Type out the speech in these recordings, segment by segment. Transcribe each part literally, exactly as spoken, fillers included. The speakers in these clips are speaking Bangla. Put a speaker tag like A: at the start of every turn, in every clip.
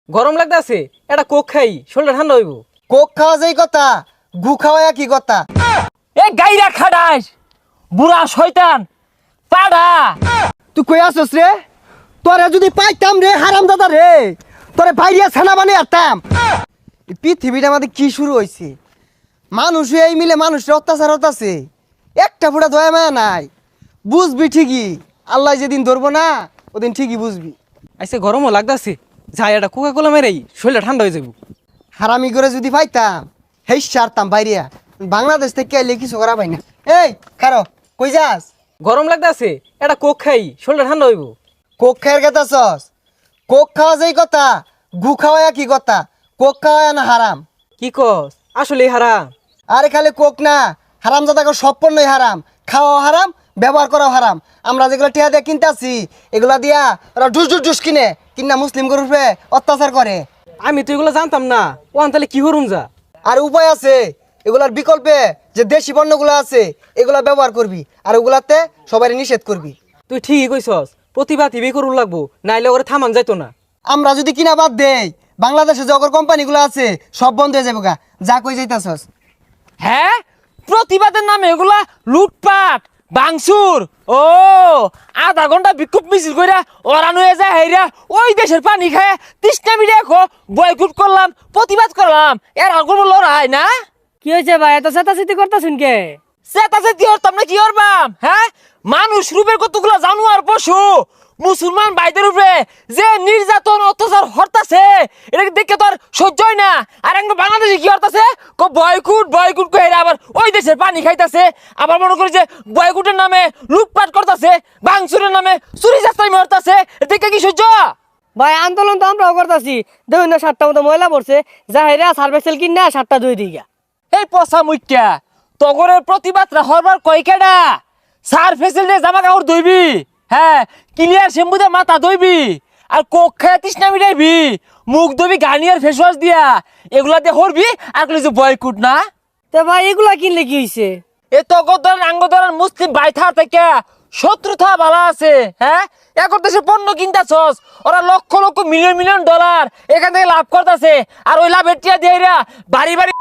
A: গরম লাগতাছে, এটা কোক খাই, শরীরটা ঠান্ডা হইব।
B: কোক খাওয়া যেই কথা, গু খাওয়া কি কথা?
C: এ গাইরা খাডাস বুড়া শয়তান পাড়া।
B: তুই কই আসছ রে? তোরে যদি পাইতাম রে হারাম দাদা রে, তোরে বাইরিয়া ছানা বানিয়ে আরতাম। এই পৃথিবীটা আমাদের কি শুরু হয়েছে? মানুষ এই মিলে মানুষের অত্যাচার হতাছে, একটা ফুটা দয়া মায়া নাই। বুঝবি ঠিকই, আল্লাহ যেদিন ধরবো না ওদিন ঠিকই বুঝবি।
A: আইসে গরমও লাগতাছে, যাই এটা কোকা কোলা মেরেই শরীরটা ঠান্ডা হয়ে যাব।
B: হারামি করে যদি পাইতাম হেই সারতাম বাইরিয়া। বাংলাদেশ থেকে এলে কিছু করা পাই না। এই খারো, কই যাস?
A: গরম লাগতাছে, এটা কোক খাই, শরীরটা ঠান্ডা হইব।
B: কোক খায়ের কথা সস? কোক খাওয়া যেই কথা, গু খাওয়া কি কথা? কোক খাওয়া না হারাম?
A: কি কস? আসলে হারাম?
B: আরে খালি কোক না, হারাম জাদাকে সব পণ্যই হারাম। খাওয়া হারাম, ব্যবহার করাও হারাম। আমরা যেগুলো টিয়া দিয়ে কিনতে আসি, এগুলা দিয়া ওরা ডুস ডুস ডুস কিনে কিনা মুসলিম গরুপে অত্যাচার করে।
A: আমি তো এগুলো জানতাম না, ওয়ান তাহলে কি হরুম যা।
B: আর উপায় আছে, এগুলার বিকল্পে যে দেশি পণ্যগুলো আছে এগুলা ব্যবহার করবি, আর ওগুলাতে সবাই নিষেধ করবি।
A: তুই ঠিকই কইছস, প্রতিভা টিভি করুন লাগবো, নাইলে ওরে থামান যাইতো না।
B: আমরা যদি কিনা বাদ দেই, বাংলাদেশে যে অগর কোম্পানিগুলো আছে সব বন্ধ হয়ে যাবে গা। যা কই যাইতাছস?
C: হ্যাঁ, প্রতিবাদের নামে এগুলা লুটপাট বাংসুর। ও আধা ঘন্টা বিক্ষোভ মিছিল কইরা ওরান হয়ে যায় হেরা ওই দেশের পানি খায় তৃষ্ণা মিডিয়া খো বয়কুট করলাম, প্রতিবাদ করলাম, এর আর কোনো লড়াই না।
D: কি হয়েছে ভাই, এত চেতাচেতি করতেছেন কে?
C: সেটাছে কি হরতাম না কি হরবাম? হ্যাঁ, মানুষ রূপের কতগুলো জানোয়ার পশু মুসলমান ভাইদের উপরে যে নির্যাতন অত্যাচার হরতাছে, এটাকে দেখে তো আর সহ্য হয় না। আর একদম বাংলাদেশে কি হরতাছে, কো বয়কুট বয়কুট কই হেরা আবার ওই দেশের পানি খাইতাছে, আবার মনে করি যে বয়কুটের নামে লুটপাট করতেছে, বাংসুরের নামে চুরি চাস্তাই মারতাছে, দেখে কি সহ্য?
D: ভাই আন্দোলন তো আমরাও করতেছি, দেখুন না সাতটা মতো ময়লা পড়ছে, যা হেরা সার্ভেসেল কিন না সাতটা দুই দিঘা।
C: এই পচা মুখ্যা তগরের প্রতিবাদরা হরবার কয়কেডা? সার ফেসিলিটি জামা কাপড় ধুইবি, হ্যাঁ ক্লিয়ার শ্যাম্পু দিয়ে মাথা ধুইবি, আর কোক খায় তৃষ্ণা মিটাইবি, মুখ ধুবি গার্নিয়ার ফেস ওয়াশ দিয়া, এগুলা দিয়ে হরবি। আর কইলি যে বয়কুট না?
D: তো ভাই এগুলা কিনলে কি হয়েছে?
C: এ তগর ধরেন আঙ্গ ধরেন মুসলিম বাইথা থেকে শত্রুতা ভালা আছে। হ্যাঁ, এখন দেশে পণ্য কিনতাছস, ওরা লক্ষ লক্ষ মিলিয়ন মিলিয়ন ডলার এখান থেকে লাভ করতেছে, আর ওই লাভের টিয়া দিয়ে বাড়ি বাড়ি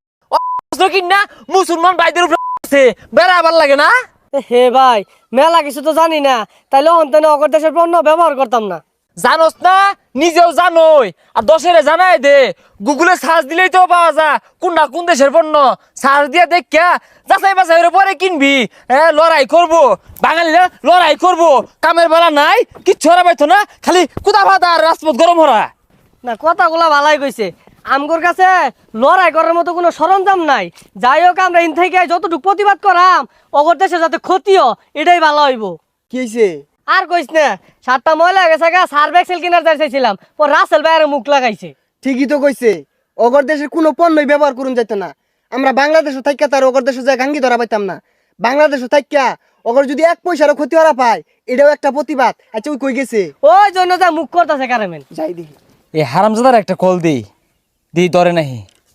C: কিনা মুসলমান ভাইদের উপরে বেড়া আবার লাগে না।
D: হে ভাই, মেলা কিছু তো জানি না, তাইলে অন্তনে অগর দেশের পণ্য ব্যবহার করতাম না।
C: জানোস না, নিজেও জানোই, আর দশেরে জানাই দে। গুগলে সার্চ দিলেই তো পাওয়া যায় কোনটা কোন দেশের পণ্য। সার্চ দিয়ে দেখা যাচাই বাছাই পরে কিনবি। হ্যাঁ, লড়াই করবো, বাঙালিরা লড়াই করবো, কামের বেলা নাই, কিচ্ছু হরা পাইতো না, খালি কুদা ভাতা আর রাজপথ গরম হরা।
D: না, কথাগুলা ভালাই কইছে, আমগোর কাছে লড়াই করার মতো কোনো সরঞ্জাম নাই। যাই হোক, আমরা ইন থেকে যতটুকু প্রতিবাদ করাম অগর দেশে যাতে ক্ষতিও, এটাই ভালো হইব।
B: কি হয়েছে?
D: আর কইস না, সাতটা ময়লা গেছে গা, সার্ভেক্সেল কিনার যাই চাইছিলাম, ও রাসেল ভাইয়ের মুখ লাগাইছে।
B: ঠিকই তো কইছে, অগর দেশের কোনো পণ্যই ব্যবহার করুন যাইতো না। আমরা বাংলাদেশও থাইকা তার অগর দেশে যায় গাঙ্গি ধরা পাইতাম না। বাংলাদেশও থাইকা অগর যদি এক পয়সারও ক্ষতি হরা পায়, এটাও একটা প্রতিবাদ। আচ্ছা ওই কই গেছে?
D: ওই জন্য যা মুখ করতেছে কারেমেন।
B: যাই দেখি।
C: এই হারামজাদার একটা কল দিই, দিই ধরে নাহি।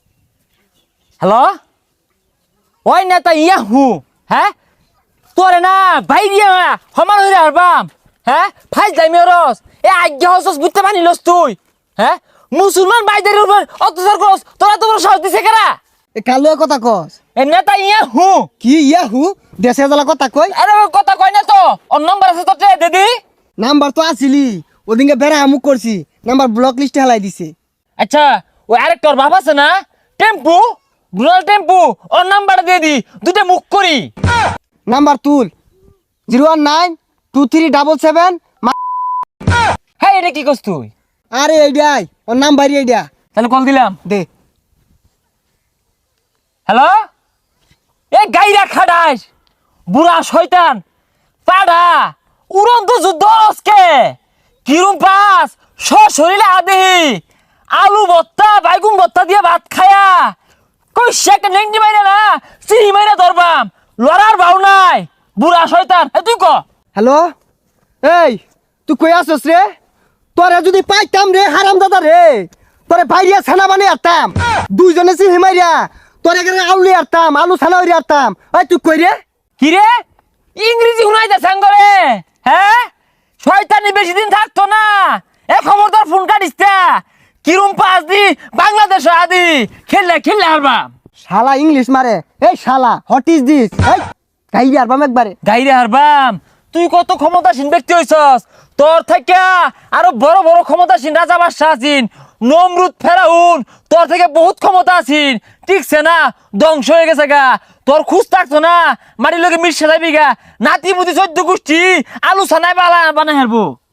C: হ্যালো, ওই নেতা ইয়া হু, হ্যাঁ তোরে না বাইরিয়া সমান হইরে হারবাম। হ্যাঁ, ফাইজ যাইমি রস এ আজ্ঞা হসস বুঝতে পারিলস তুই? হ্যাঁ, মুসলমান ভাইদের উপর অত্যাচার করস, তোরা তোমার সাহস দিছে কারা?
B: এ কালো কথা কস?
C: এ নেতা ইয়া হু।
B: কি ইয়াহু? দেশে জ্বালা কথা কই?
C: আরে ওই কথা কই না তো, ওর নম্বর আছে তোর দিদি।
B: নাম্বার তো আসিলি, ওদিনকে বেড়া আমুক করছি, নাম্বার ব্লক লিস্টে হেলাই দিছে।
C: আচ্ছা, ওই আরেকটা ওর বাপ আছে না, টেম্পু, রুরাল টেম্পু, ওর নাম্বারটা দিয়ে দি, দুটো মুখ করি।
B: নাম্বার তুল, zero one nine two three double seven.
C: হ্যাঁ, এটা কি করছ তুই?
B: আরে এইটাই ওর নাম্বার, এইটা
C: তাহলে কল দিলাম।
B: দে।
C: হ্যালো, এ গাইরা খাডাস বুড়া শয়তান পাড়া, উড়ন্ত যুদ্ধ আজকে কিরম পাস শরীরে আদেহি আলু ভর্তা বাইগুন ভর্তা দিয়ে ভাত খায়া কই শেক নেংটি মাইরা না চিনি মাইরা ধরবাম, লড়ার ভাও নাই বুড়া শয়তান। এ তুই ক।
B: হ্যালো, এই তুই কই আসছ রে? তোরে যদি পাইতাম রে হারাম দাদা রে, তোরে বাইরিয়া ছানা বানিয়ে আরতাম। দুইজনে চিনি মাইরা তোরে এখানে আউলি আরতাম, আলু ছানা হইরে আরতাম। ওই তুই কই রে?
C: কি রে, ইংরেজি শুনাইতে সাঙ্গরে? হ্যাঁ, শয়তানি বেশি দিন থাকতো না। এ খবরদার ফোন কাটিস না, কিরম পাস দি বাংলাদেশ আদি খেললে খেললে হারবাম
B: শালা ইংলিশ মারে এই শালা হোয়াট ইজ দিস এই গাইরে আরবাম একবারে
C: গাইরে হারবাম তুই কত ক্ষমতাসীন ব্যক্তি হইছস তোর থেকে আরো বড় বড় ক্ষমতাসীন রাজা বাদশাহ আছেন নমরুদ ফেরাউন তোর থেকে বহুত ক্ষমতা আছেন ঠিকছে না ধ্বংস হয়ে গেছে গা তোর খুঁজ থাকতো না মাটির লোকে মিশে যাবি গা নাতি মুতি চোদ্দ গোষ্ঠী আলু ছানায় বালা বানাই হারবো